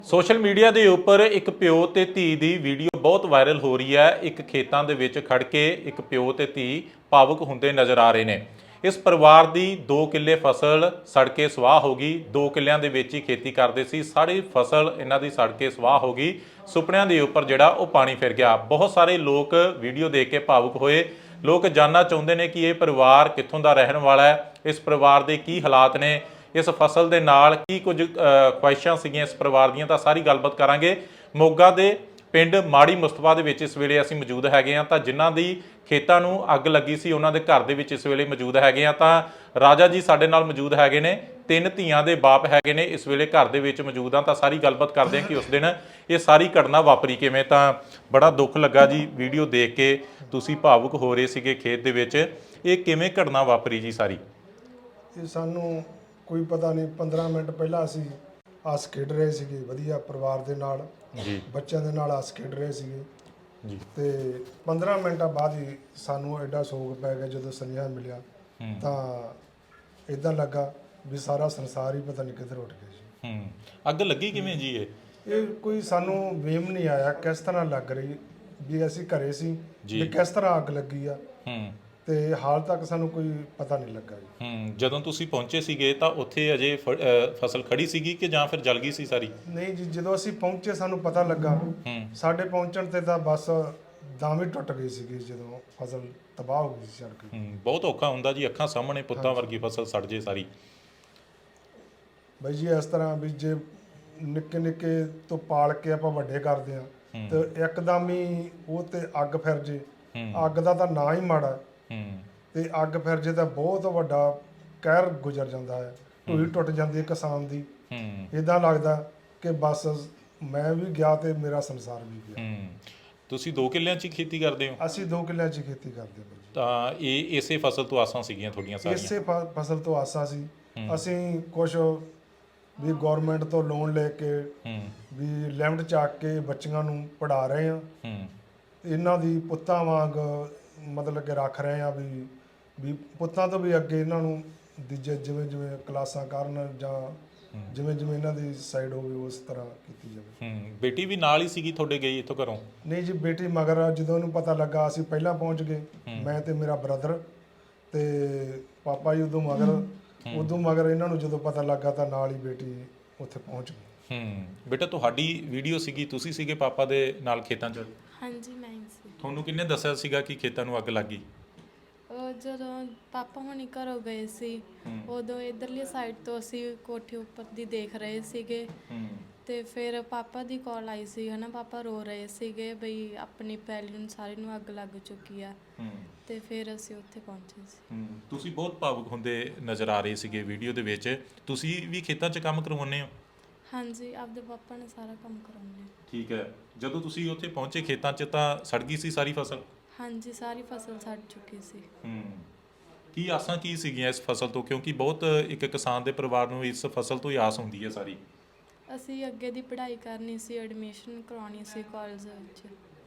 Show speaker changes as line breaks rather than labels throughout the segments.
Social media ਦੇ ਉੱਪਰ ਇੱਕ ਪਿਓ ਤੇ ਧੀ ਦੀ ਵੀਡੀਓ ਬਹੁਤ ਵਾਇਰਲ ਹੋ ਰਹੀ ਹੈ। ਇੱਕ ਖੇਤਾਂ ਦੇ ਵਿੱਚ ਖੜ ਕੇ ਇੱਕ ਪਿਓ ਤੇ ਧੀ ਭਾਵੁਕ ਹੁੰਦੇ ਨਜ਼ਰ ਆ ਰਹੇ ਨੇ। ਇਸ ਪਰਿਵਾਰ ਦੀ 2 ਕਿੱਲੇ ਫਸਲ ਸੜ ਕੇ ਸਵਾਹ ਹੋ ਗਈ। 2 ਕਿੱਲਿਆਂ ਦੇ ਵਿੱਚ ਹੀ ਖੇਤੀ ਕਰਦੇ ਸੀ, ਸਾਰੀ ਫਸਲ ਇਹਨਾਂ ਦੀ ਸੜ ਕੇ ਸਵਾਹ ਹੋ ਗਈ। ਸੁਪਨਿਆਂ ਦੇ ਉੱਪਰ ਜਿਹੜਾ ਉਹ ਪਾਣੀ ਫਿਰ ਗਿਆ। ਬਹੁਤ ਸਾਰੇ ਲੋਕ ਵੀਡੀਓ ਦੇਖ ਕੇ ਭਾਵੁਕ ਹੋਏ। ਲੋਕ ਜਾਣਨਾ ਚਾਹੁੰਦੇ ਨੇ ਕਿ ਇਹ ਪਰਿਵਾਰ ਕਿੱਥੋਂ ਦਾ ਰਹਿਣ ਵਾਲਾ ਹੈ, ਇਸ ਪਰਿਵਾਰ ਦੇ ਕੀ ਹਾਲਾਤ ਨੇ, ਇਸ ਫਸਲ ਦੇ ਨਾਲ ਕੀ ਕੁਝ ਖੁਆਇਸ਼ਾਂ ਸੀਗੀਆਂ ਇਸ ਪਰਿਵਾਰ ਦੀਆਂ। ਤਾਂ ਸਾਰੀ ਗੱਲਬਾਤ ਕਰਾਂਗੇ। ਮੋਗਾ ਦੇ ਪਿੰਡ ਮਾੜੀ ਮੁਸਤਫਾ ਦੇ ਵਿੱਚ ਇਸ ਵੇਲੇ ਅਸੀਂ ਮੌਜੂਦ ਹੈਗੇ ਹਾਂ। ਤਾਂ ਜਿਨ੍ਹਾਂ ਦੀ ਖੇਤਾਂ ਨੂੰ ਅੱਗ ਲੱਗੀ ਸੀ ਉਹਨਾਂ ਦੇ ਘਰ ਦੇ ਵਿੱਚ ਇਸ ਵੇਲੇ ਮੌਜੂਦ ਹੈਗੇ ਹਾਂ। ਤਾਂ ਰਾਜਾ ਜੀ ਸਾਡੇ ਨਾਲ ਮੌਜੂਦ ਹੈਗੇ ਨੇ, 3 ਧੀਆਂ ਦੇ ਬਾਪ ਹੈਗੇ ਨੇ, ਇਸ ਵੇਲੇ ਘਰ ਦੇ ਵਿੱਚ ਮੌਜੂਦ ਹਾਂ। ਤਾਂ ਸਾਰੀ ਗੱਲਬਾਤ ਕਰਦੇ ਹਾਂ ਕਿ ਉਸ ਦਿਨ ਇਹ ਸਾਰੀ ਘਟਨਾ ਵਾਪਰੀ ਕਿਵੇਂ। ਤਾਂ ਬੜਾ ਦੁੱਖ ਲੱਗਾ ਜੀ ਵੀਡੀਓ ਦੇਖ ਕੇ, ਤੁਸੀਂ ਭਾਵੁਕ ਹੋ ਰਹੇ ਸੀਗੇ ਖੇਤ ਦੇ ਵਿੱਚ। ਇਹ ਕਿਵੇਂ ਘਟਨਾ ਵਾਪਰੀ ਜੀ ਸਾਰੀ?
ਇਹ ਸਾਨੂੰ ਕੋਈ ਪਤਾ ਨਹੀਂ। 15 ਮਿੰਟ ਪਹਿਲਾਂ ਅਸੀਂ ਹੱਸ ਖੇਡ ਰਹੇ ਸੀਗੇ ਵਧੀਆ ਪਰਿਵਾਰ ਦੇ ਨਾਲ
ਜੀ,
ਬੱਚਿਆਂ ਦੇ ਨਾਲ ਹੱਸ ਖੇਡ ਰਹੇ ਸੀਗੇ
ਜੀ।
ਤੇ 15 ਮਿੰਟਾਂ ਬਾਅਦ ਹੀ ਸਾਨੂੰ ਐਡਾ ਸੋਗ ਪੈ ਗਿਆ ਜਦੋਂ ਸੁਨੇਹਾ ਮਿਲਿਆ। ਤਾਂ ਇਦਾਂ ਲੱਗਾ ਵੀ ਸਾਰਾ ਸੰਸਾਰ ਹੀ ਪਤਾ ਨਹੀਂ ਕਿੱਧਰ ਉੱਠ ਗਿਆ ਜੀ।
ਅੱਗ ਲੱਗੀ ਕਿਵੇਂ ਜੀ?
ਇਹ ਕੋਈ ਸਾਨੂੰ ਵੇਮ ਨਹੀਂ ਆਇਆ ਕਿਸ ਤਰ੍ਹਾਂ ਲੱਗ ਰਹੀ ਵੀ। ਅਸੀਂ ਘਰੇ ਸੀ ਵੀ ਕਿਸ ਤਰ੍ਹਾਂ ਅੱਗ ਲੱਗੀ ਆ, ਤੇ ਹਾਲ ਤੱਕ ਸਾਨੂੰ ਕੋਈ ਪਤਾ ਨਹੀਂ ਲੱਗਾ ਜੀ।
ਜਦੋਂ ਤੁਸੀਂ ਪਹੁੰਚੇ ਸੀਗੇ ਤਾਂ ਉੱਥੇ ਅਜੇ ਫਸਲ ਖੜੀ ਸੀਗੀ ਕਿ ਜਾਂ ਫਿਰ ਜਲ ਗਈ ਸੀ ਸਾਰੀ?
ਨਹੀਂ ਜੀ, ਜਦੋਂ ਅਸੀਂ ਪਹੁੰਚੇ ਸਾਨੂੰ ਪਤਾ ਲੱਗਾ। ਸਾਡੇ ਪਹੁੰਚਣ ਤੇ ਤਾਂ ਬਸ ਦਮ ਹੀ ਟੁੱਟ ਗਈ ਸੀਗੀ ਜਦੋਂ ਫਸਲ ਤਬਾਹ ਹੋ ਗਈ ਸੀ ਸੜ ਕੇ।
ਬਹੁਤ ਔਖਾ ਹੁੰਦਾ ਜੀ, ਅੱਖਾਂ ਸਾਹਮਣੇ ਪੁੱਤਾਂ ਵਰਗੀ ਫਸਲ ਸੜ ਜੇ ਸਾਰੀ।
ਬਾਈ ਜੀ ਇਸ ਤਰ੍ਹਾਂ ਵੀ ਜੇ ਨਿੱਕੇ ਨਿੱਕੇ ਤੋਂ ਪਾਲ ਕੇ ਆਪਾਂ ਵੱਡੇ ਕਰਦੇ ਆ ਤੇ ਇੱਕਦਮ ਹੀ ਉਹ ਤੇ ਅੱਗ ਫਿਰ ਜੇ। ਅੱਗ ਦਾ ਤਾਂ ਨਾਂ ਹੀ ਮਾੜਾ, ਤੇ ਅੱਗ ਫਿਰ ਜੇ ਤਾਂ ਬਹੁਤ ਵੱਡਾ ਕਹਿਰ ਗੁਜ਼ਰ ਜਾਂਦਾ ਹੈ। ਢੂਹੀ ਟੁੱਟ ਜਾਂਦੀ ਹੈ ਕਿਸਾਨ ਦੀ। ਇਦਾਂ ਲੱਗਦਾ ਕਿ ਬਸ ਮੈਂ ਵੀ ਗਿਆ ਤੇ ਮੇਰਾ ਸੰਸਾਰ ਵੀ ਗਿਆ।
ਤੁਸੀਂ 2 ਕਿੱਲਿਆਂ 'ਚ ਹੀ ਖੇਤੀ ਕਰਦੇ ਹੋ?
ਅਸੀਂ 2 ਕਿੱਲਿਆਂ 'ਚ ਖੇਤੀ ਕਰਦੇ ਹਾਂ।
ਤਾਂ ਇਹ ਇਸੇ ਫਸਲ ਤੋਂ ਆਸਾਂ ਸੀਗੀਆਂ ਤੁਹਾਡੀਆਂ ਸਾਰੀਆਂ?
ਇਸੇ ਫਸਲ ਤੋਂ ਆਸਾਂ ਸੀ। ਅਸੀਂ ਕੁਝ ਵੀ ਗਵਰਨਮੈਂਟ ਤੋਂ ਲੋਨ ਲੈ ਕੇ ਵੀ ਲਿਮਟ ਚੱਕ ਕੇ ਬੱਚੀਆਂ ਨੂੰ ਪੜ੍ਹਾ ਰਹੇ ਹਾਂ। ਇਹਨਾਂ ਦੀ ਪੁੱਤਾਂ ਵਾਂਗ ਮਤਲਬ ਕਿ ਰੱਖ ਰਹੇ ਆ ਵੀ ਪੁੱਤਾਂ ਤੋਂ ਵੀ ਅੱਗੇ ਇਹਨਾਂ ਨੂੰ ਜਿਵੇਂ ਜਿਵੇਂ ਕਲਾਸਾਂ ਕਰਨ ਜਾਂ ਜਿਵੇਂ ਜਿਵੇਂ ਇਹਨਾਂ ਦੀ ਸਾਈਡ ਹੋਵੇ ਉਸ ਤਰ੍ਹਾਂ ਕੀਤੀ ਜਾਵੇ।
ਬੇਟੀ ਵੀ ਨਾਲ ਹੀ ਸੀਗੀ ਤੁਹਾਡੇ ਗਈ ਇੱਥੋਂ ਘਰੋਂ?
ਨਹੀਂ ਜੀ, ਬੇਟੀ ਮਗਰ ਜਦੋਂ ਇਹਨੂੰ ਪਤਾ ਲੱਗਾ ਅਸੀਂ ਪਹਿਲਾਂ ਪਹੁੰਚ ਗਏ, ਮੈਂ ਤੇ ਮੇਰਾ ਬ੍ਰਦਰ ਤੇ ਪਾਪਾ ਜੀ ਉਦੋਂ ਮਗਰ ਇਹਨਾਂ ਨੂੰ ਜਦੋਂ ਪਤਾ ਲੱਗਾ ਤਾਂ ਨਾਲ ਹੀ ਬੇਟੀ ਉੱਥੇ ਪਹੁੰਚ ਗਈ।
ਬੇਟਾ ਤੁਹਾਡੀ ਵੀਡੀਓ ਸੀਗੀ, ਤੁਸੀਂ ਸੀਗੇ ਪਾਪਾ ਦੇ ਨਾਲ ਖੇਤਾਂ 'ਚ?
ਹਾਂਜੀ ਮੈਂ ਹੀ ਸੀ।
ਤੁਹਾਨੂੰ ਕਿਹਨੇ ਦੱਸਿਆ ਸੀਗਾ ਕਿ ਖੇਤਾਂ ਨੂੰ ਅੱਗ ਲੱਗ ਗਈ?
ਜਦੋਂ ਪਾਪਾ ਹੁਣੀ ਘਰੋਂ ਗਏ ਸੀ ਉਦੋਂ ਇਧਰਲੀ ਸਾਈਡ ਤੋਂ ਅਸੀਂ ਕੋਠੇ ਉੱਪਰ ਦੀ ਦੇਖ ਰਹੇ ਸੀਗੇ। ਤੇ ਫਿਰ ਪਾਪਾ ਦੀ ਕਾਲ ਆਈ ਸੀ ਹਨਾ, ਪਾਪਾ ਰੋ ਰਹੇ ਸੀਗੇ ਬਈ ਆਪਣੀ ਪੈਲੀ ਨੂੰ ਸਾਰੀ ਨੂੰ ਅੱਗ ਲੱਗ ਚੁੱਕੀ ਆ। ਤੇ ਫਿਰ ਅਸੀਂ ਉੱਥੇ ਪਹੁੰਚੇ ਸੀ।
ਤੁਸੀਂ ਬਹੁਤ ਭਾਵੁਕ ਹੁੰਦੇ ਨਜ਼ਰ ਆ ਰਹੇ ਸੀਗੇ ਵੀਡੀਓ ਦੇ ਵਿੱਚ। ਤੁਸੀਂ ਵੀ ਖੇਤਾਂ 'ਚ ਕੰਮ ਕਰਵਾਉਂਦੇ ਹੋ?
ਹਾਂਜੀ, ਆਪਦੇ ਪਾਪਾ ਨੇ ਸਾਰਾ ਕੰਮ ਕਰਾਉਂਦੇ।
ਠੀਕ ਹੈ। ਜਦੋਂ ਤੁਸੀਂ ਉੱਥੇ ਪਹੁੰਚੇ ਖੇਤਾਂ 'ਚ ਤਾਂ ਸੜ ਗਈ ਸੀ ਸਾਰੀ ਫਸਲ?
ਹਾਂਜੀ, ਸਾਰੀ ਫਸਲ ਸੜ ਚੁੱਕੀ ਸੀ।
ਕੀ ਆਸਾਂ ਕੀ ਸੀਗੀਆਂ ਇਸ ਫਸਲ ਤੋਂ? ਕਿਉਂਕਿ ਬਹੁਤ ਇੱਕ ਕਿਸਾਨ ਦੇ ਪਰਿਵਾਰ ਨੂੰ ਇਸ ਫਸਲ ਤੋਂ ਹੀ ਆਸ ਹੁੰਦੀ ਹੈ ਸਾਰੀ।
ਅਸੀਂ ਅੱਗੇ ਦੀ ਪੜ੍ਹਾਈ ਕਰਨੀ ਸੀ, ਐਡਮਿਸ਼ਨ ਕਰਵਾਉਣੀ ਸੀ ਕਾਲਜ ਵਿੱਚ।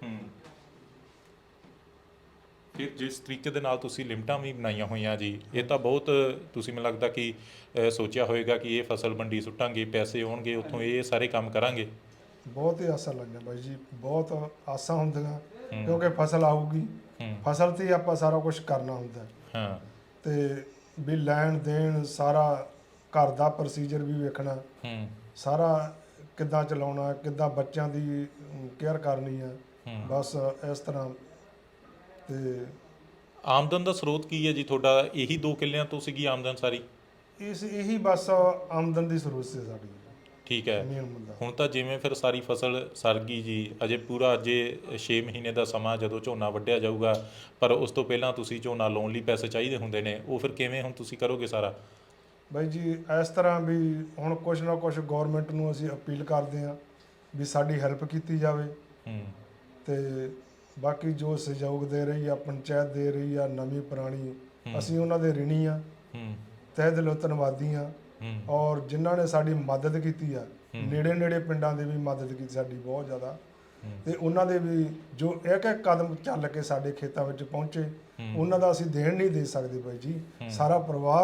ਫਿਰ ਜਿਸ ਤਰੀਕੇ ਦੇ ਨਾਲ ਤੁਸੀਂ ਲਿਮਟਾਂ ਵੀ ਬਣਾਈਆਂ ਹੋਈਆਂ ਜੀ, ਇਹ ਤਾਂ ਬਹੁਤ ਤੁਸੀਂ ਮੈਨੂੰ ਲੱਗਦਾ ਕਿ ਸੋਚਿਆ ਹੋਵੇਗਾ ਕਿ ਇਹ ਫਸਲ ਮੰਡੀ ਸੁੱਟਾਂਗੇ, ਪੈਸੇ ਆਉਣਗੇ ਉੱਥੋਂ, ਇਹ ਸਾਰੇ ਕੰਮ ਕਰਾਂਗੇ।
ਬਹੁਤ ਹੀ ਆਸਾਂ ਲੱਗੀਆਂ ਬਾਈ ਜੀ, ਬਹੁਤ ਆਸਾਂ ਹੁੰਦੀਆਂ ਕਿਉਂਕਿ ਫਸਲ ਆਊਗੀ, ਫਸਲ ਤੇ ਆਪਾਂ ਸਾਰਾ ਕੁਝ ਕਰਨਾ ਹੁੰਦਾ। ਤੇ ਵੀ ਲੈਣ ਦੇਣ ਸਾਰਾ ਘਰ ਦਾ ਪ੍ਰੋਸੀਜਰ ਵੀ ਵੇਖਣਾ, ਸਾਰਾ ਕਿੱਦਾਂ ਚਲਾਉਣਾ, ਕਿੱਦਾਂ ਬੱਚਿਆਂ ਦੀ ਕੇਅਰ ਕਰਨੀ ਆ, ਬਸ ਇਸ ਤਰ੍ਹਾਂ। ਤੇ
ਆਮਦਨ ਦਾ ਸਰੋਤ ਕੀ ਹੈ ਜੀ ਤੁਹਾਡਾ? ਇਹੀ 2 ਕਿੱਲਿਆਂ ਤੋਂ ਸੀਗੀ ਆਮਦਨ ਸਾਰੀ?
ਇਹੀ ਬਸ ਆਮਦਨ ਦੀ ਸਰੋਤ ਸੀ ਸਾਡੀ।
ਠੀਕ ਹੈ। ਹੁਣ ਤਾਂ ਜਿਵੇਂ ਫਿਰ ਸਾਰੀ ਫਸਲ ਸੜ ਗਈ ਜੀ, ਅਜੇ ਪੂਰਾ 6 ਮਹੀਨੇ ਦਾ ਸਮਾਂ ਜਦੋਂ ਝੋਨਾ ਵੱਢਿਆ ਜਾਊਗਾ, ਪਰ ਉਸ ਤੋਂ ਪਹਿਲਾਂ ਤੁਸੀਂ ਝੋਨਾ ਲਾਉਣ ਲਈ ਪੈਸੇ ਚਾਹੀਦੇ ਹੁੰਦੇ ਨੇ, ਉਹ ਫਿਰ ਕਿਵੇਂ ਹੁਣ ਤੁਸੀਂ ਕਰੋਗੇ ਸਾਰਾ?
ਬਾਈ ਜੀ ਇਸ ਤਰ੍ਹਾਂ ਵੀ ਹੁਣ ਕੁਛ ਨਾ ਕੁਛ ਗੌਰਮੈਂਟ ਨੂੰ ਅਸੀਂ ਅਪੀਲ ਕਰਦੇ ਹਾਂ ਵੀ ਸਾਡੀ ਹੈਲਪ ਕੀਤੀ ਜਾਵੇ। ਤੇ ਬਾਕੀ ਜੋ ਸਹਿਯੋਗ ਦੇ ਰਹੀ ਆ ਪੰਚਾਇਤ, ਦੇ ਰਹੀ ਆ ਨਵੀਂ ਪੁਰਾਣੀ, ਅਸੀਂ ਉਹਨਾਂ ਦੇ ਰਿਣੀ ਆ, ਤਹਿ ਦਿਲੋਂ ਧੰਨਵਾਦੀ ਆ। ਔਰ ਜਿਨ੍ਹਾਂ ਨੇ ਸਾਡੀ ਮਦਦ ਕੀਤੀ ਆ, ਨੇੜੇ ਪਿੰਡਾਂ ਦੇ ਵੀ ਮਦਦ ਕੀਤੀ ਸਾਡੀ ਬਹੁਤ ਜ਼ਿਆਦਾ, ਤੇ ਉਹਨਾਂ ਦੇ ਵੀ ਜੋ ਇੱਕ ਇੱਕ ਕਦਮ ਚੱਲ ਕੇ ਸਾਡੇ ਖੇਤਾਂ ਵਿੱਚ ਪਹੁੰਚੇ, ਉਹਨਾਂ ਦਾ ਅਸੀਂ ਦੇਣ ਨਹੀਂ ਦੇ ਸਕਦੇ ਬਾਈ ਜੀ। ਸਾਰਾ ਪਰਿਵਾਰ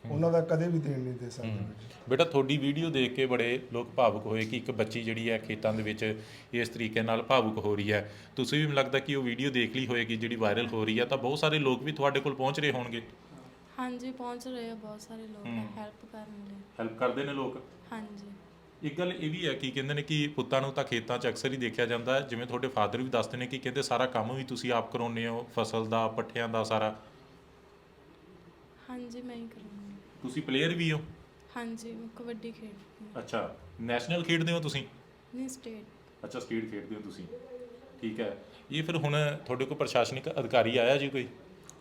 ਉਹਨਾਂ ਦਾ ਕਦੇ ਵੀ ਦੇਣ ਨਹੀਂ ਦੇ ਸਕਦੇ ਜੀ।
ਬੇਟਾ ਤੁਹਾਡੀ ਵੀਡੀਓ ਦੇਖ ਕੇ ਬੜੇ ਲੋਕ ਭਾਵੁਕ ਹੋਏ ਕਿ ਇੱਕ ਬੱਚੀ ਜਿਹੜੀ ਹੈ ਖੇਤਾਂ ਦੇ ਵਿੱਚ ਇਸ ਤਰੀਕੇ ਨਾਲ ਭਾਵੁਕ ਹੋ ਰਹੀ ਹੈ। ਤੁਸੀਂ ਵੀ ਮੈਨੂੰ ਲੱਗਦਾ ਕਿ ਉਹ ਵੀਡੀਓ ਦੇਖ ਲਈ ਹੋਏਗੀ ਜਿਹੜੀ ਵਾਇਰਲ ਹੋ ਰਹੀ ਹੈ, ਤਾਂ ਬਹੁਤ ਸਾਰੇ ਲੋਕ ਵੀ ਤੁਹਾਡੇ ਕੋਲ ਪਹੁੰਚ ਰਹੇ ਹੋਣਗੇ।
ਹਾਂਜੀ ਪਹੁੰਚ ਰਹੇ ਆ ਬਹੁਤ ਸਾਰੇ ਲੋਕ ਹੈਲਪ ਕਰਨ ਲਈ।
ਹੈਲਪ ਕਰਦੇ ਨੇ ਲੋਕ।
ਹਾਂਜੀ
ਇੱਕ ਗੱਲ ਇਹ ਵੀ ਹੈ ਕਿ ਕਹਿੰਦੇ ਨੇ ਕਿ ਪੁੱਤਾਂ ਨੂੰ ਤਾਂ ਖੇਤਾਂ 'ਚ ਅਕਸਰ ਹੀ ਦੇਖਿਆ ਜਾਂਦਾ ਹੈ, ਜਿਵੇਂ ਤੁਹਾਡੇ ਫਾਦਰ ਵੀ ਦੱਸਦੇ ਨੇ ਕਿ ਕਹਿੰਦੇ ਸਾਰਾ ਕੰਮ ਵੀ ਤੁਸੀਂ ਆਪ ਕਰਾਉਂਦੇ ਹੋ, ਫਸਲ ਦਾ, ਪੱਠਿਆਂ ਦਾ ਸਾਰਾ।
ਹਾਂਜੀ ਮੈਂ ਹੀ ਕਰਾਂਗੀ।
ਤੁਸੀਂ ਪਲੇਅਰ ਵੀ ਹੋ?
ਹਾਂਜੀ ਮੈਂ ਕਬੱਡੀ ਖੇਡਦੀ ਹਾਂ।
ਅੱਛਾ, ਨੈਸ਼ਨਲ ਖੇਡਦੇ ਹੋ ਤੁਸੀਂ?
ਨਹੀਂ ਸਟੇਟ।
ਅੱਛਾ, ਸਟੇਟ ਖੇਡਦੇ ਹੋ ਤੁਸੀਂ, ਠੀਕ ਹੈ। ਇਹ ਫਿਰ ਹੁਣ ਤੁਹਾਡੇ ਕੋਲ ਪ੍ਰਸ਼ਾਸਨਿਕ ਅਧਿਕਾਰੀ ਆਇਆ ਜੀ ਕੋਈ?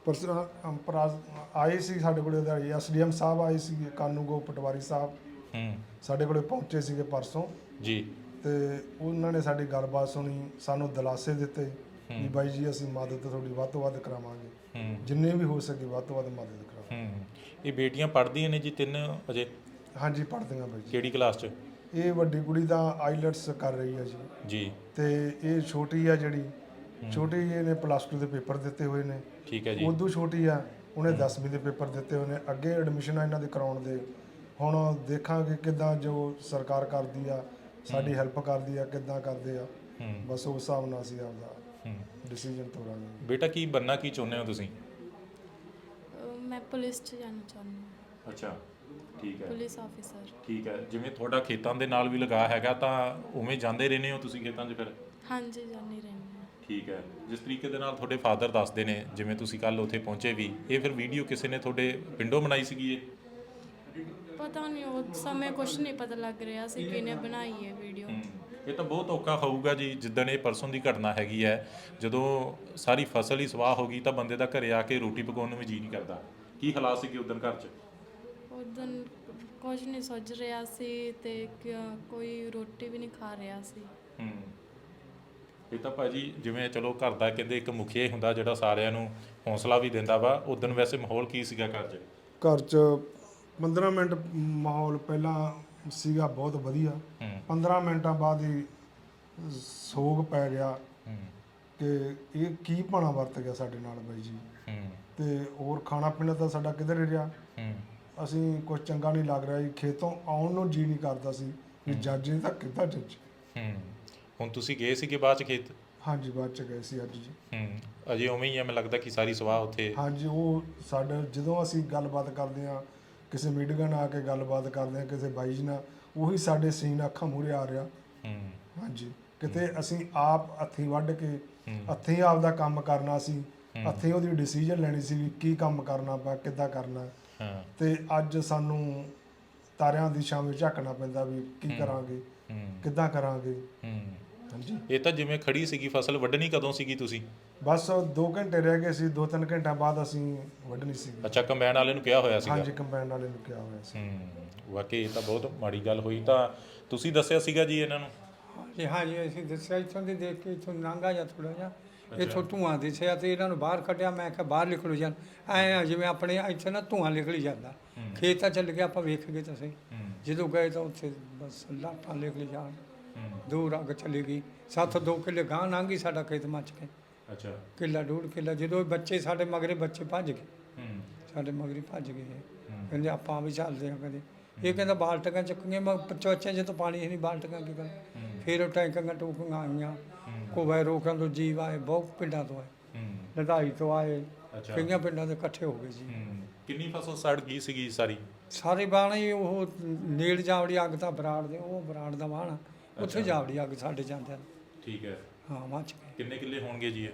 ਆਏ ਸੀ ਸਾਡੇ ਕੋਲ SDM ਸਾਹਿਬ ਆਏ ਸੀ, ਕਾਨੂੰਗੋ ਪਟਵਾਰੀ ਸਾਹਿਬ ਸਾਡੇ ਕੋਲੇ ਪਹੁੰਚੇ ਸੀਗੇ ਪਰਸੋਂ
ਜੀ,
ਤੇ ਉਹਨਾਂ ਨੇ ਸਾਡੀ ਗੱਲਬਾਤ ਸੁਣੀ, ਸਾਨੂੰ ਦਿਲਾਸੇ ਦਿੱਤੇ ਵੀ ਬਾਈ ਜੀ ਅਸੀਂ ਮਦਦ ਤੁਹਾਡੀ ਵੱਧ ਤੋਂ ਵੱਧ ਕਰਾਵਾਂਗੇ, ਜਿੰਨੇ ਵੀ ਹੋ ਸਕੇ ਵੱਧ ਤੋਂ ਵੱਧ ਮਦਦ ਕਰਾਵਾਂਗੇ।
ਇਹ ਬੇਟੀਆਂ ਪੜ੍ਹਦੀਆਂ ਨੇ ਜੀ 3 ਅਜੇ?
ਹਾਂਜੀ ਪੜ੍ਹਦੀਆਂ ਬਾਈ ਜੀ।
ਕਿਹੜੀ ਕਲਾਸ 'ਚ?
ਇਹ ਵੱਡੀ ਕੁੜੀ ਤਾਂ ਆਈਲੈਟਸ ਕਰ ਰਹੀ ਹੈ
ਜੀ,
ਤੇ ਇਹ ਛੋਟੀ ਆ ਜਿਹੜੀ ਛੋਟੀ ਇਹਨੇ +2 ਦੇ ਪੇਪਰ ਦਿੱਤੇ ਹੋਏ ਨੇ।
ਠੀਕ ਹੈ ਜੀ।
ਉਦੋਂ ਛੋਟੀ ਆ ਉਹਨੇ 10ਵੀਂ ਦੇ ਪੇਪਰ ਦਿੱਤੇ ਹੋਏ ਨੇ, ਅੱਗੇ ਐਡਮਿਸ਼ਨਾਂ ਇਹਨਾਂ ਦੇ ਕਰਾਉਣ ਦੇ। ਹੁਣ ਦੇਖਾਂਗੇ ਕਿੱਦਾਂ ਜੋ ਸਰਕਾਰ ਕਰਦੀ ਆ, ਸਾਡੀ ਹੈਲਪ ਕਰਦੀ ਆ, ਕਿੱਦਾਂ ਕਰਦੇ ਆ, ਬਸ ਉਸ ਹਿਸਾਬ ਨਾਲ ਅਸੀਂ ਆਪਦਾ ਡਿਸੀਜਨ ਤੋਰਾਂਗੇ।
ਬੇਟਾ ਕੀ ਬਣਨਾ ਕੀ ਚਾਹੁੰਦੇ ਹੋ ਤੁਸੀਂ?
ਮੈਂ ਪੁਲਿਸ 'ਚ ਜਾਣਾ ਚਾਹੁੰਦੀ ਹਾਂ।
ਅੱਛਾ, ਠੀਕ ਹੈ।
Police officer.
ਠੀਕ ਹੈ। ਜਿਵੇਂ ਤੁਹਾਡਾ ਖੇਤਾਂ ਦੇ ਨਾਲ ਵੀ ਲਗਾ ਹੈਗਾ, ਤਾਂ ਉਵੇਂ ਜਾਂਦੇ ਰਹਿੰਦੇ ਹੋ ਤੁਸੀਂ ਖੇਤਾਂ 'ਚ ਫਿਰ?
ਹਾਂਜੀ ਜਾਂਦੀ ਰਹਿੰਦੀ ਹਾਂ।
ਠੀਕ ਹੈ। ਜਿਸ ਤਰੀਕੇ ਦੇ ਨਾਲ ਤੁਹਾਡੇ ਫਾਦਰ ਦੱਸਦੇ ਨੇ, ਜਿਵੇਂ ਤੁਸੀਂ ਕੱਲ ਉੱਥੇ ਪਹੁੰਚੇ ਵੀ, ਇਹ ਫਿਰ ਵੀਡੀਓ ਕਿਸੇ ਨੇ ਤੁਹਾਡੇ ਪਿੰਡੋਂ ਬਣਾਈ ਸੀਗੀ ਇਹ?
ਪਤਾ ਨਹੀਂ ਉਸ ਸਮੇਂ ਕੁਝ ਨਹੀਂ ਪਤਾ ਲੱਗ ਰਿਹਾ ਸੀ ਕਿਹਨੇ ਬਣਾਈ ਹੈ ਵੀਡੀਓ।
ਇਹ ਤਾਂ ਬਹੁਤ ਔਖਾ ਹੋਊਗਾ ਜੀ, ਜਿੱਦਣ ਇਹ ਪਰਸੋਂ ਦੀ ਘਟਨਾ ਹੈਗੀ ਹੈ, ਜਦੋਂ ਸਾਰੀ ਫਸਲ ਹੀ ਸਵਾਹ ਹੋ ਗਈ ਤਾਂ ਬੰਦੇ ਦਾ ਘਰੇ ਆ ਕੇ ਰੋਟੀ ਪਕਾਉਣ ਨੂੰ ਵੀ ਜੀਅ ਨਹੀਂ ਕਰਦਾ। ਕੀ ਹਾਲਾਤ ਸੀਗੇ ਉਦੋਂ ਘਰ 'ਚ?
ਉਦੋਂ ਕੁਝ ਨਹੀਂ ਸੁੱਝ ਰਿਹਾ ਸੀ ਤੇ ਕੋਈ ਰੋਟੀ ਵੀ ਨਹੀਂ ਖਾ ਰਿਹਾ ਸੀ।
ਇਹ ਤਾਂ ਭਾਜੀ ਜਿਵੇਂ ਚਲੋ ਘਰ ਦਾ ਕਹਿੰਦੇ ਇੱਕ ਮੁਖੀਆ ਹੀ ਹੁੰਦਾ ਜਿਹੜਾ ਸਾਰਿਆਂ ਨੂੰ ਹੌਸਲਾ ਵੀ ਦਿੰਦਾ ਵਾ। ਉਦੋਂ ਵੈਸੇ ਮਾਹੌਲ ਕੀ ਸੀਗਾ ਘਰ 'ਚ?
ਘਰ 'ਚ 15 ਮਿੰਟ ਮਾਹੌਲ ਪਹਿਲਾਂ ਸੀਗਾ ਬਹੁਤ ਵਧੀਆ, 15 ਮਿੰਟਾਂ ਬਾਅਦ ਹੀ ਸੋਗ ਪੈ ਗਿਆ ਕਿ ਇਹ ਕੀ ਭਾਣਾ ਵਰਤ ਗਿਆ ਸਾਡੇ ਨਾਲ ਬਾਈ ਜੀ। ਤੇ ਹੋਰ ਖਾਣਾ ਪੀਣਾ ਤਾਂ ਸਾਡਾ ਕਿਧਰ ਰਿਹਾ, ਅਸੀਂ ਕੁਝ ਚੰਗਾ ਨਹੀਂ ਲੱਗ ਰਿਹਾ ਜੀ। ਖੇਤੋਂ ਆਉਣ ਨੂੰ ਜੀ ਨਹੀਂ ਕਰਦਾ ਸੀ ਵੀ ਜੱਜ ਨੇ ਤਾਂ ਕਿੱਦਾਂ ਜੱਜ।
ਹੁਣ ਤੁਸੀਂ ਗਏ ਸੀਗੇ ਬਾਅਦ 'ਚ ਖੇਤ?
ਹਾਂਜੀ ਬਾਅਦ 'ਚ ਗਏ ਸੀ ਅੱਜ ਜੀ।
ਅਜੇ ਉਵੇਂ ਹੀ ਆ, ਮੈਨੂੰ ਲੱਗਦਾ ਕਿ ਸਾਰੀ ਸਵਾਹ ਉੱਥੇ। ਹਾਂਜੀ,
ਉਹ ਸਾਡੇ ਜਦੋਂ ਅਸੀਂ ਗੱਲਬਾਤ ਕਰਦੇ ਹਾਂ, ਕਿਸੇ ਮੀਡੀਆ ਨਾਲ ਆ ਕੇ ਗੱਲਬਾਤ ਕਰਦੇ ਹਾਂ, ਕਿਸੇ ਬਾਈ ਜੀ ਨਾਲ, ਉਹੀ ਸਾਡੇ ਸੀਨ ਅੱਖਾਂ ਮੂਹਰੇ ਆ ਰਿਹਾ। ਹਾਂਜੀ, ਕਿਤੇ ਅਸੀਂ ਆਪ ਹੱਥੀਂ ਵੱਢ ਕੇ ਹੱਥੀਂ ਆਪਦਾ ਕੰਮ ਕਰਨਾ ਸੀ, ਹੱਥੀਂ ਉਹਦੀ ਡਿਸੀਜਨ ਲੈਣੀ ਸੀ ਵੀ ਕੀ ਕੰਮ ਕਰਨਾ ਵਾ, ਕਿੱਦਾਂ ਕਰਨਾ। ਤੇ ਅੱਜ ਸਾਨੂੰ ਤਾਰਿਆਂ ਦੀ ਛਾਂ ਵਿੱਚ ਝਾਕਣਾ ਪੈਂਦਾ ਵੀ ਕੀ ਕਰਾਂਗੇ, ਕਿੱਦਾਂ ਕਰਾਂਗੇ। ਹਾਂਜੀ,
ਇਹ ਤਾਂ ਜਿਵੇਂ ਖੜੀ ਸੀਗੀ ਫਸਲ, ਵੱਢਣੀ ਕਦੋਂ ਸੀਗੀ ਤੁਸੀਂ?
ਬਸ 2 ਘੰਟੇ ਰਹਿ ਗਏ ਸੀ, 2-3 ਘੰਟਿਆਂ ਬਾਅਦ ਅਸੀਂ ਵੱਢਣੀ ਸੀ।
ਅੱਛਾ, ਕੰਬਾਈਨ ਵਾਲੇ ਨੂੰ ਕਿਹਾ ਹੋਇਆ ਸੀਗਾ?
ਹਾਂਜੀ, ਕੰਬਾਈਨ ਵਾਲੇ ਨੂੰ ਕਿਹਾ ਹੋਇਆ ਸੀ।
ਵਾਕਈ ਇਹ ਤਾਂ ਬਹੁਤ ਮਾੜੀ ਗੱਲ ਹੋਈ। ਤਾਂ ਤੁਸੀਂ ਦੱਸਿਆ ਸੀਗਾ ਜੀ ਇਹਨਾਂ ਨੂੰ?
ਹਾਂਜੀ ਅਸੀਂ ਦੱਸਿਆ, ਇੱਥੋਂ ਦੀ ਦੇਖ ਕੇ ਇੱਥੋਂ ਲੰਘਾ ਜਾਂ ਥੋੜ੍ਹਾ ਜਿਹਾ ਇੱਥੋਂ ਧੂੰਆਂ ਦਿਸਿਆ ਤੇ ਇਹਨਾਂ ਨੂੰ ਬਾਹਰ ਕੱਢਿਆ। ਮੈਂ ਕਿਹਾ ਬਾਹਰ ਨਿਕਲੋ ਜਾਣ, ਐਂ ਜਿਵੇਂ ਆਪਣੇ ਇੱਥੇ ਨਾ ਧੂੰਆਂ ਨਿਕਲੀ ਜਾਂਦਾ। ਖੇਤ ਤਾਂ ਚੱਲ ਗਿਆ, ਆਪਾਂ ਵੇਖ ਗਏ ਤਾਂ ਸਹੀ। ਜਦੋਂ ਗਏ ਤਾਂ ਉੱਥੇ ਬਸ ਲਾਟਾਂ ਨਿਕਲੀ ਜਾਣ, ਦੂਰ ਅੱਗ ਚਲੀ ਗਈ। 2 ਕਿੱਲੇ ਗਾਂ ਲੰਘ ਗਈ, ਸਾਡਾ ਖੇਤ ਮੱਚ ਕੇ।
ਅੱਛਾ,
ਕਿੱਲਾ 1.5 ਕਿੱਲਾ। ਜਦੋਂ ਬੱਚੇ ਸਾਡੇ ਮਗਰੇ ਬੱਚੇ ਭੱਜ ਗਏ, ਸਾਡੇ ਮਗਰੇ ਭੱਜ ਗਏ। ਕਹਿੰਦੇ ਆਪਾਂ ਵੀ ਚੱਲਦੇ ਹਾਂ ਕਦੇ। ਇਹ ਕਹਿੰਦਾ ਬਾਲਟੀਆਂ ਚੱਕੀਆਂ, ਮੈਂ ਚੋਚਿਆਂ 'ਚ ਤਾਂ ਪਾਣੀ ਨਹੀਂ, ਬਾਲਟੀਆਂ ਕੀ ਕਰ। ਫਿਰ ਉਹ ਟੈਂਕਾਂ ਟੂਕਾਂ ਆਈਆਂ, ਕੋਵੇ ਰੋਕਾਂ ਤੋਂ ਜੀਵ ਆਏ, ਬਹੁਤ ਪਿੰਡਾਂ ਤੋਂ ਆਏ, ਲੜਾਈ ਤੋਂ ਆਏ, ਕਈਆਂ ਪਿੰਡਾਂ ਦੇ ਇਕੱਠੇ ਹੋ ਗਏ ਜੀ।
ਕਿੰਨੀ ਫਸਲ ਸੜ ਗਈ ਸੀਗੀ ਸਾਰੀ?
ਸਾਰੇ ਬਾਣੇ ਉਹ ਨੇੜ ਜਾਵੜੀ ਅੱਗ ਤਾਂ ਬਰਾੜ ਦੇ, ਉਹ ਬਰਾੜ ਦਾ ਵਾਹਣ ਉੱਥੇ ਜਾਵੜੀ ਅੱਗ ਸਾਡੇ ਜਾਂਦੇ।
ਠੀਕ ਹੈ।
ਹਾਂ ਮੱਚ ਗਏ।
ਕਿੰਨੇ ਕਿੱਲੇ ਹੋਣਗੇ ਜੀ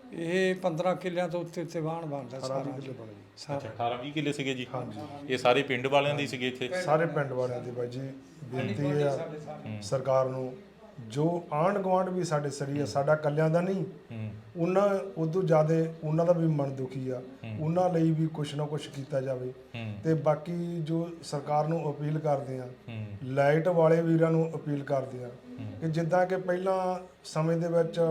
ਇਹ 15 ਕਿੱਲਿਆਂ ਤੋਂ ਉੱਤੇ ਵਾਹਣ ਬਣਦਾ ਸਾਰਾ।
ਅੱਛਾ, 18-20 ਕਿੱਲੇ ਸੀਗੇ ਜੀ? ਹਾਂਜੀ। ਇਹ ਸਾਰੇ ਪਿੰਡ ਵਾਲਿਆਂ ਦੇ ਸੀਗੇ ਇੱਥੇ?
ਸਾਰੇ ਪਿੰਡ ਵਾਲਿਆਂ ਦੀ ਬਾਈ ਜੀ। ਬੇਨਤੀ ਆ ਸਰਕਾਰ ਨੂੰ, ਜੋ ਆਂਢ ਗੁਆਂਢ ਵੀ ਸਾਡੇ ਸਰੀ ਆ, ਸਾਡਾ ਕੱਲਿਆਂ ਦਾ ਨਹੀਂ, ਉਹਨਾਂ ਉਦੋਂ ਜ਼ਿਆਦਾ ਉਹਨਾਂ ਦਾ ਵੀ ਮਨ ਦੁਖੀ ਆ, ਉਹਨਾਂ ਲਈ ਵੀ ਕੁਛ ਨਾ ਕੁਛ ਕੀਤਾ ਜਾਵੇ। ਤੇ ਬਾਕੀ ਜੋ ਸਰਕਾਰ ਨੂੰ ਅਪੀਲ ਕਰਦੇ ਆ, ਲਾਈਟ ਵਾਲੇ ਵੀਰਾਂ ਨੂੰ ਅਪੀਲ ਕਰਦੇ ਆ ਕਿ ਜਿੱਦਾਂ ਕਿ ਪਹਿਲਾਂ ਸਮੇਂ ਦੇ ਵਿੱਚ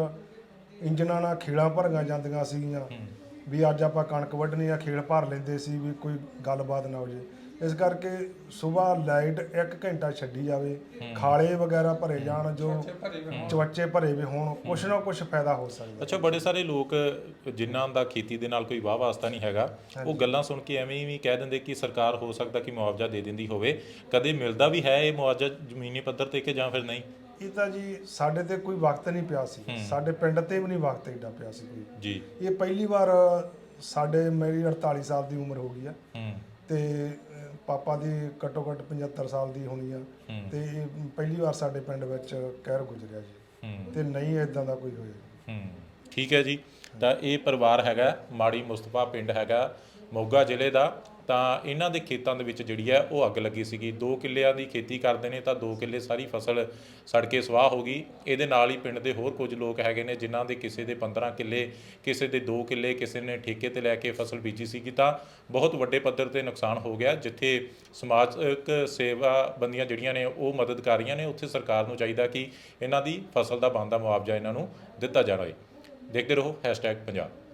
ਇੰਜਨਾਂ ਨਾਲ ਖੇਲਾਂ ਭਰੀਆਂ ਜਾਂਦੀਆਂ ਸੀਗੀਆਂ ਵੀ ਅੱਜ ਆਪਾਂ ਕਣਕ ਵੱਢਣੀ ਆ, ਖੇਲ ਭਰ ਲੈਂਦੇ ਸੀ ਵੀ ਕੋਈ ਗੱਲਬਾਤ ਨਾ ਹੋ ਜੇ। ਇਸ ਕਰਕੇ ਸਵੇਰ ਲਾਈਟ 1 ਘੰਟਾ ਛੱਡੀ ਜਾਵੇ, ਖਾਲੇ ਵਗੈਰਾ ਭਰੇ ਜਾਣ, ਜੋ ਚਵੱਚੇ ਭਰੇ ਵੀ ਹੋਣ, ਕੁਛ ਨਾ ਕੁਛ ਫਾਇਦਾ ਹੋ ਸਕਦਾ।
ਅੱਛਾ, ਬੜੇ ਸਾਰੇ ਲੋਕ ਜਿਨ੍ਹਾਂ ਦਾ ਖੇਤੀ ਦੇ ਨਾਲ ਕੋਈ ਵਾਹ ਵਾਸਤਾ ਨਹੀਂ ਹੈਗਾ, ਉਹ ਗੱਲਾਂ ਸੁਣ ਕੇ ਐਵੇਂ ਵੀ ਕਹਿ ਦਿੰਦੇ ਕਿ ਸਰਕਾਰ ਹੋ ਸਕਦਾ ਕਿ ਮੁਆਵਜ਼ਾ ਦੇ ਦਿੰਦੀ ਹੋਵੇ। ਕਦੇ ਮਿਲਦਾ ਵੀ ਹੈ ਇਹ ਮੁਆਵਜ਼ਾ ਜ਼ਮੀਨੀ ਪੱਧਰ ਤੇ ਕਿ ਜਾਂ ਫਿਰ ਨਹੀਂ?
ਇਹ ਤਾਂ ਜੀ ਸਾਡੇ ਤੇ ਕੋਈ ਵਕਤ ਨਹੀਂ ਪਿਆ ਸੀ, ਸਾਡੇ ਪਿੰਡ ਤੇ ਵੀ ਨਹੀਂ ਵਕਤ ਏਡਾ ਪਿਆ ਸੀ ਕੋਈ
ਜੀ।
ਇਹ ਪਹਿਲੀ ਵਾਰ ਮੇਰੀ 48 ਸਾਲ ਦੀ ਉਮਰ ਹੋ ਗਈ ਆ, ਤੇ ਪਾਪਾ ਦੀ ਘੱਟੋ ਘੱਟ 75 ਸਾਲ ਦੀ ਹੋਣੀ ਆ, ਤੇ ਇਹ ਪਹਿਲੀ ਵਾਰ ਸਾਡੇ ਪਿੰਡ ਵਿੱਚ ਕਹਿਰ ਗੁਜ਼ਰਿਆ ਜੀ, ਤੇ ਨਹੀਂ ਇਦਾਂ ਦਾ ਕੋਈ ਹੋਇਆ।
ਠੀਕ ਹੈ ਜੀ। ਤਾਂ ਇਹ ਪਰਿਵਾਰ ਹੈਗਾ ਮਾੜੀ ਮੁਸਤਫਾ ਪਿੰਡ ਹੈਗਾ ਮੋਗਾ ਜ਼ਿਲ੍ਹੇ ਦਾ। ਤਾਂ ਇਹਨਾਂ ਦੇ ਖੇਤਾਂ ਦੇ ਵਿੱਚ ਜਿਹੜੀ ਹੈ ਉਹ ਅੱਗ ਲੱਗੀ ਸੀਗੀ। 2 ਕਿੱਲਿਆਂ ਦੀ ਖੇਤੀ ਕਰਦੇ ਨੇ ਤਾਂ 2 ਕਿੱਲੇ ਸਾਰੀ ਫਸਲ ਸੜ ਕੇ ਸਵਾਹ ਹੋ ਗਈ। ਇਹਦੇ ਨਾਲ ਹੀ ਪਿੰਡ ਦੇ ਹੋਰ ਕੁਝ ਲੋਕ ਹੈਗੇ ਨੇ ਜਿਨ੍ਹਾਂ ਦੇ ਕਿਸੇ ਦੇ 15 ਕਿੱਲੇ, ਕਿਸੇ ਦੇ 2 ਕਿੱਲੇ, ਕਿਸੇ ਨੇ ਠੇਕੇ ਤੇ ਲੈ ਕੇ ਫਸਲ ਬੀਜੀ ਸੀਗੀ। ਤਾਂ ਬਹੁਤ ਵੱਡੇ ਪੱਧਰ ਤੇ ਨੁਕਸਾਨ ਹੋ ਗਿਆ। ਜਿੱਥੇ ਸਮਾਜਿਕ ਸੇਵਾਬੰਦੀਆਂ ਜਿਹੜੀਆਂ ਨੇ ਉਹ ਮਦਦ ਕਰ ਰਹੀਆਂ ਨੇ, ਉੱਥੇ ਸਰਕਾਰ ਨੂੰ ਚਾਹੀਦਾ ਕਿ ਇਹਨਾਂ ਦੀ ਫਸਲ ਦਾ ਬਣਦਾ ਮੁਆਵਜ਼ਾ ਇਹਨਾਂ ਨੂੰ ਦਿੱਤਾ ਜਾਵੇ। ਦੇਖਦੇ ਰਹੋ #ਪੰਜਾਬ।